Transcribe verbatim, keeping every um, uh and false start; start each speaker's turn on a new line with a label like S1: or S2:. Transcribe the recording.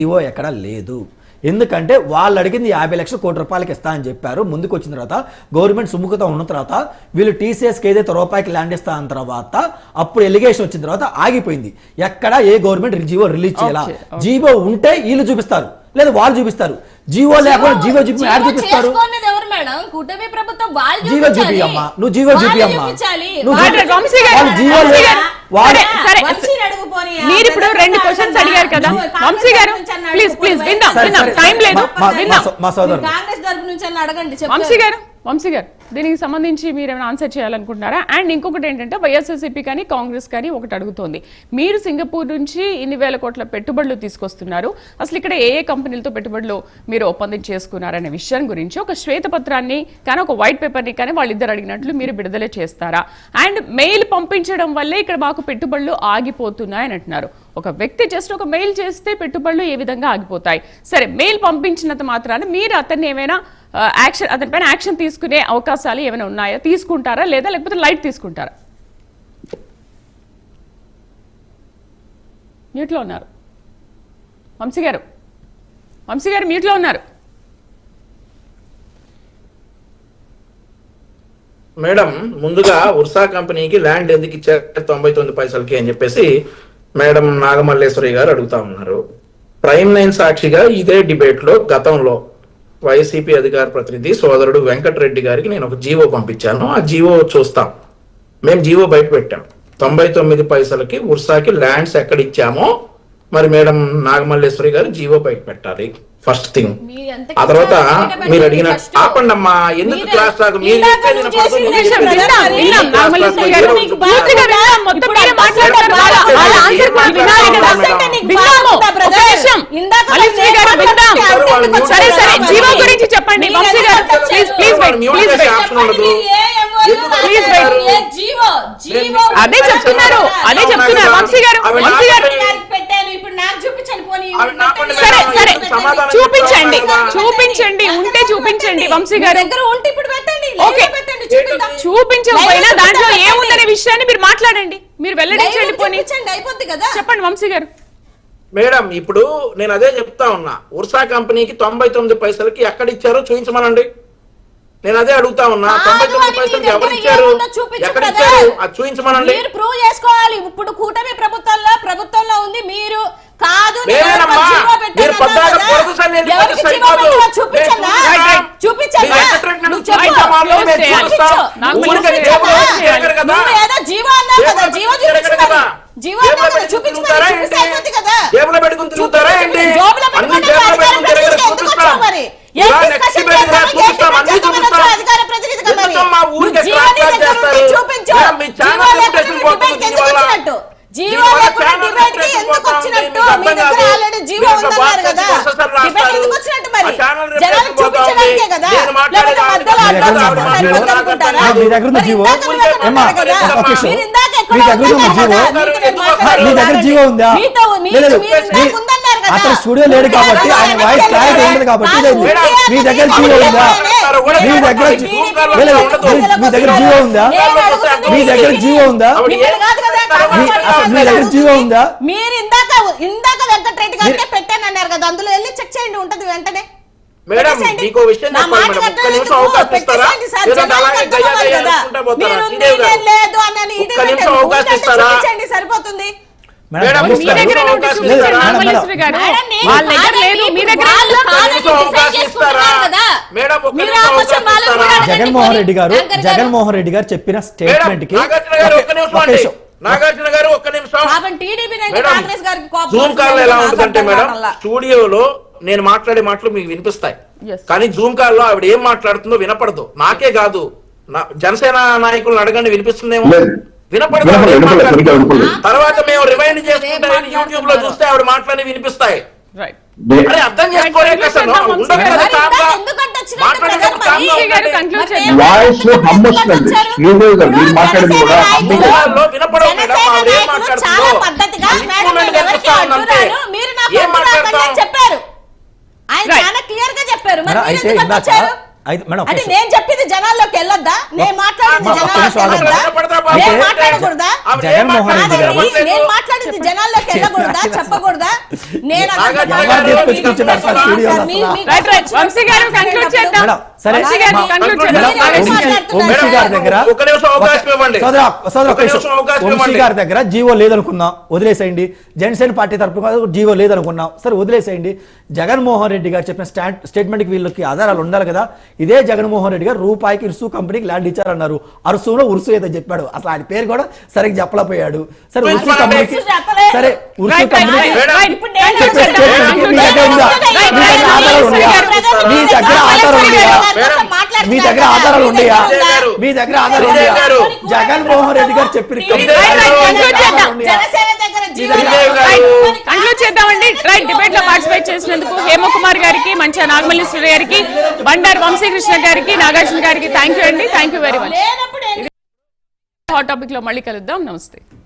S1: GO ఎక్కడ లేదు. ఎందుకంటే వాళ్ళు అడిగింది యాభై లక్షల కోటి రూపాయలకి ఇస్తా అని చెప్పారు. ముందుకు వచ్చిన తర్వాత గవర్నమెంట్ సుముఖత ఉన్న తర్వాత వీళ్ళు టీసీఎస్కి ఏదైతే రూపాయికి ల్యాండ్ ఇస్తా అన్న తర్వాత అప్పుడు ఎలిగేషన్ వచ్చిన తర్వాత ఆగిపోయింది. ఎక్కడ ఏ గవర్నమెంట్ జీవో రిలీజ్ చేయాలా? జీవో ఉంటే వీళ్ళు చూపిస్తారు, లేదా వాళ్ళు చూపిస్తారు. జీవో లేకుండా జీవో చూపి యాడ్ చూపిస్తారు. జీవో చూపి అమ్మా, నువ్వు జీవో చూపి అమ్మా,
S2: మీరు ఇప్పుడు రెండు క్వశ్చన్స్ అడిగారు కదా వంశీ గారు, ప్లీజ్ ప్లీజ్ విందాం విందాం, టైం లేదు.
S1: మా సోదరు
S3: కాంగ్రెస్ తరపు నుంచి అడగండి
S2: వంశీ గారు. వంశీ గారు దీనికి సంబంధించి మీరు ఏమైనా ఆన్సర్ చేయాలనుకుంటున్నారా? అండ్ ఇంకొకటి ఏంటంటే వైఎస్ఆర్సీపీ కానీ కాంగ్రెస్ కానీ ఒకటి అడుగుతోంది, మీరు సింగపూర్ నుంచి ఇన్ని వేల కోట్ల పెట్టుబడులు తీసుకొస్తున్నారు, అసలు ఇక్కడ ఏ ఏ కంపెనీలతో పెట్టుబడులు మీరు ఒప్పందం చేసుకున్నారనే విషయం గురించి ఒక శ్వేతపత్రాన్ని కానీ ఒక వైట్ పేపర్ని కానీ వాళ్ళిద్దరు అడిగినట్లు మీరు విడుదల చేస్తారా? అండ్ మెయిల్ పంపించడం వల్లే ఇక్కడ మాకు పెట్టుబడులు ఆగిపోతున్నాయని అంటున్నారు. ఒక వ్యక్తి జస్ట్ ఒక మెయిల్ చేస్తే పెట్టుబడులు ఏ విధంగా ఆగిపోతాయి? సరే, మెయిల్ పంపించినంత మాత్రాన మీరు అతన్ని ఏమైనా యాక్షన్ అతని పైన యాక్షన్ తీసుకునే అవకాశాలు ఏమైనా ఉన్నాయా? తీసుకుంటారా లేదా లేకపోతే లైట్ తీసుకుంటారా? మ్యూట్లో ఉన్నారు వంశీ గారు. వంశీ గారు మ్యూట్లో ఉన్నారు.
S4: మేడం, ముందుగా ఉర్సా కంపెనీకి ల్యాండ్ ఎందుకు ఇచ్చారు తొంభై తొమ్మిది పైసలకి అని చెప్పేసి మేడం నాగమల్లేశ్వరి గారు అడుగుతా ఉన్నారు. ప్రైమ్ నైన్ సాక్షిగా ఇదే డిబేట్ లో గతంలో వైసీపీ అధికార ప్రతినిధి సోదరుడు వెంకటరెడ్డి గారికి నేను ఒక జీవో పంపించాను. ఆ జీవో చూస్తాం. మేము జీవో బయట పెట్టాం. తొంభై తొమ్మిది పైసలకి ఉర్సాకి ల్యాండ్స్ ఎక్కడ ఇచ్చామో మరి మేడం నాగమల్లేశ్వరి గారు జీవో బయట పెట్టాలి ఫస్ట్ థింగ్. ఆ తర్వాత మీరు అడిగిన ఆపండి అమ్మా, ఎందుకు క్లాస్ లాగా మీరు
S2: చెప్పండి. అదే చెప్తున్నారు అదే చెప్తున్నారు వంశీ గారు. వంశీ గారు సరే సరే చూపించండి చూపించండి ఉంటే చూపించండి వంశీ గారు. ఓకే, చూపించకపోయినా దాంట్లో ఏముందనే విషయాన్ని మీరు మాట్లాడండి, మీరు వెల్లడించండి. పోనీ అయిపోద్ది కదా, చెప్పండి వంశీ గారు.
S4: మేడం, ఇప్పుడు నేను అదే చెప్తా ఉన్నా, ఉర్సా కంపెనీకి తొంభై తొమ్మిది పైసలకి ఎక్కడ ఇచ్చారో చూపించమనండి. నేను అదే అడుగుతా ఉన్నా, తొంభై తొమ్మిది పైసలకి ఎవరు ఇచ్చారు, ఎక్కడ ఇచ్చారు అది చూపించమనండి.
S3: మీరు ప్రూవ్ చేసుకోవాలి. ఇప్పుడు కూటమి ప్రభుత్వంలో ప్రభుత్వంలో ఉంది మీరు కాదు.
S4: జేబులో పెట్టుకుని తిరుగుతారా ఏంటి? అన్ని జేబులో పెట్టుకుని తిరగరు, చూపిస్తాం. చూపిస్తాం, అన్ని చూపిస్తాం. ఎందుకు మా ఊరికి చేస్తారు? మీ ఛానల్ లిమిటేషన్ పోతుంది దీనివల్ల.
S3: జీవో లేకుండా డిబేట్ కి ఎందుకు వచ్చినట్టు? మీ దగ్గర ఆల్రెడీ జీవో ఉందన్నారు కదా, డిబేట్ ఎందుకు వచ్చినట్టు? మరి జనాలు చూపించడానికే కదా, లేకపోతే మధ్యలో అడ్డం అనుకుంటారా?
S1: మీ దగ్గర ఉన్న జీవో ఏమా
S3: మీరు ఇందాక ఎక్కడ
S1: మీ దగ్గర ఉన్న జీవో మీ దగ్గర జీవో ఉందా? లేదు, అతను స్టూడియో లేడు కాబట్టి ఆయన వాయిస్ క్లారిటీ ఉండదు కాబట్టి మీ దగ్గర జీవో ఉందా? మీ దగ్గర మీ దగ్గర జీవో ఉందా? మీ దగ్గర జీవో ఉందా? మీ దగ్గర జీవో ఉందా?
S3: మీరు ఇందాక ఇందాక వెంకటరెడ్డి గారికి పెట్టానన్నారు కదా, అందులో వెళ్ళి చెక్ చేయండి, ఉంటది వెంటనే.
S4: మేడం, మీకు విషయం చెప్పండి మేడం, ఒక్క నిమిషం అవకాశం ఇస్తారా? లేదంటే అలాగే గయ్యా గయ్యా అనుకుంటా పోతారా? శ్రీదేవి గారు ఒక్క నిమిషం అవకాశం ఇస్తారా?
S3: సరిపోతుంది.
S4: మేడం,
S2: మీ దగ్గర అవకాశం ఇస్తారా? వాళ్ళ దగ్గర లేదు, మీ దగ్గర
S4: అవకాశం ఇస్తారా? మేడం, ఒక్క నిమిషం అవకాశం ఇస్తారా?
S1: జగన్మోహన్ రెడ్డి గారు జగన్మోహన్ రెడ్డి గారు చెప్పిన స్టేట్మెంట్ కి
S4: నాగార్జున గారు ఒక్క నిమిషం నాగార్జున గారు ఒక్క నిమిషం. జూమ్ కాల్ ఎలా ఉంటుందంటే మేడం, స్టూడియోలో నేను మాట్లాడే మాటలు మీకు వినిపిస్తాయి, కానీ జూమ్ కాల్ లో ఆవిడ ఏం మాట్లాడుతుందో వినపడదు. నాకే కాదు, జనసేన నాయకులను అడగండి, వినిపిస్తుందేమో. వినపడదు. తర్వాత మేము రివైండ్ చేసుకుంటే యూట్యూబ్ లో చూస్తే ఆవిడ మాట్లాడి వినిపిస్తాయి. అర్థం చేసుకోలే
S3: చెప్పారు. ఆయన చాలా క్లియర్ గా చెప్పారు.
S1: అయితే ఇందాక అయితే మేడం
S3: అంటే
S1: ఒక్క
S3: నేను చెప్పింది జనాల్లోకి వెళ్ళొద్దా నేను మాట్లాడింది
S1: ఒక్క
S3: జనాల్లోకి
S1: నిమిషం ఆగండి.
S3: వెళ్ళొద్దా
S1: అయితే
S3: నేను మాట్లాడకూడదా
S1: జగన్మోహన్ రెడ్డి గారు
S3: కాదండి, నేను మాట్లాడింది జనాల్లోకి వెళ్ళకూడదా చెప్పకూడదా నేను
S4: నాగార్జున
S3: అసలు
S4: గారు
S1: తీసుకొచ్చి కూర్చున్నారు సార్ స్టూడియోలో
S3: సార్, మీ-
S1: అసలు.
S3: మీ-
S2: రైట్ రైట్ వంశీ గారు కంక్లూడ్ చేద్దాం
S1: మేడం, సరే.
S2: వంశీ గారు
S1: మా-
S2: కంక్లూడ్
S4: మేడం,
S2: చేద్దాం
S3: మేడం,
S1: వంశీ-
S3: మాట్లాడుతున్నారు.
S1: వంశీ గారి దగ్గర
S4: ఒక్క నిమిషం అవకాశం ఇవ్వండి.
S1: సోదరా సోదరా
S4: ఒక్క నిమిషం అవకాశం
S1: వంశీ
S4: ఇవ్వండి.
S1: గారి దగ్గర జీవో లేదనుకుందాం, వదిలేసేయండి. జనసేన పార్టీ తరపున జీవో లేదనుకున్నాం, సరే వదిలేసేయండి. జగన్మోహన్ రెడ్డి గారు చెప్పిన స్టాండ్ స్టేట్మెంట్ కి వీళ్ళకి ఆధారాలు ఉండాలి కదా. ఇదే జగన్మోహన్ రెడ్డి గారు రూపాయికి ఇరుసు కంపెనీకి ల్యాండ్ ఇచ్చారన్నారు. అరుసులో ఉరుసు ఏదో చెప్పాడు, అసలు ఆయన పేరు కూడా సరిగ్గా చెప్పలేకపోయాడు. సరే ఉరుసు
S4: చెప్పలేదు.
S1: కంపెనీకి
S3: చెప్పలేదు.
S1: సరే ఉరుసు
S2: రైట్ రైట్
S1: కంపెనీకి
S2: రైట్ రైట్
S3: ఇప్పుడు నేను
S2: కంక్లూడ్
S1: చెప్పే
S2: చేద్దాం.
S1: స్టేట్మెంట్ కి మీ దగ్గర ఉందా?
S2: రైట్
S1: మీ
S2: రైట్
S1: దగ్గర ఆధారాలు ఉన్నాయా? మీ దగ్గర ఆధారాలు ఉన్నాయా? మీ దగ్గర ఆధారాలు ఉన్నాయా? మీ దగ్గర ఆధారాలు ఉన్నాయా? జగన్మోహన్ రెడ్డి గారు చెప్పిన
S3: జనసేన దగ్గర GO
S4: Sridevi garu.
S2: Right conclude చేద్దామండి. రైట్ డిబేట్ లో పార్టిసిపేట్ చేసినందుకు హేమకుమార్ గారికి, మంచా నాగమల్లేశ్వర గారికి, బండారు వంశీకృష్ణ గారికి, నాగార్జున గారికి థ్యాంక్ యూ అండి. Thank you very much.
S3: లేనప్పుడు
S2: హాట్ టాపిక్ లో మళ్ళీ కలుద్దాం. నమస్తే.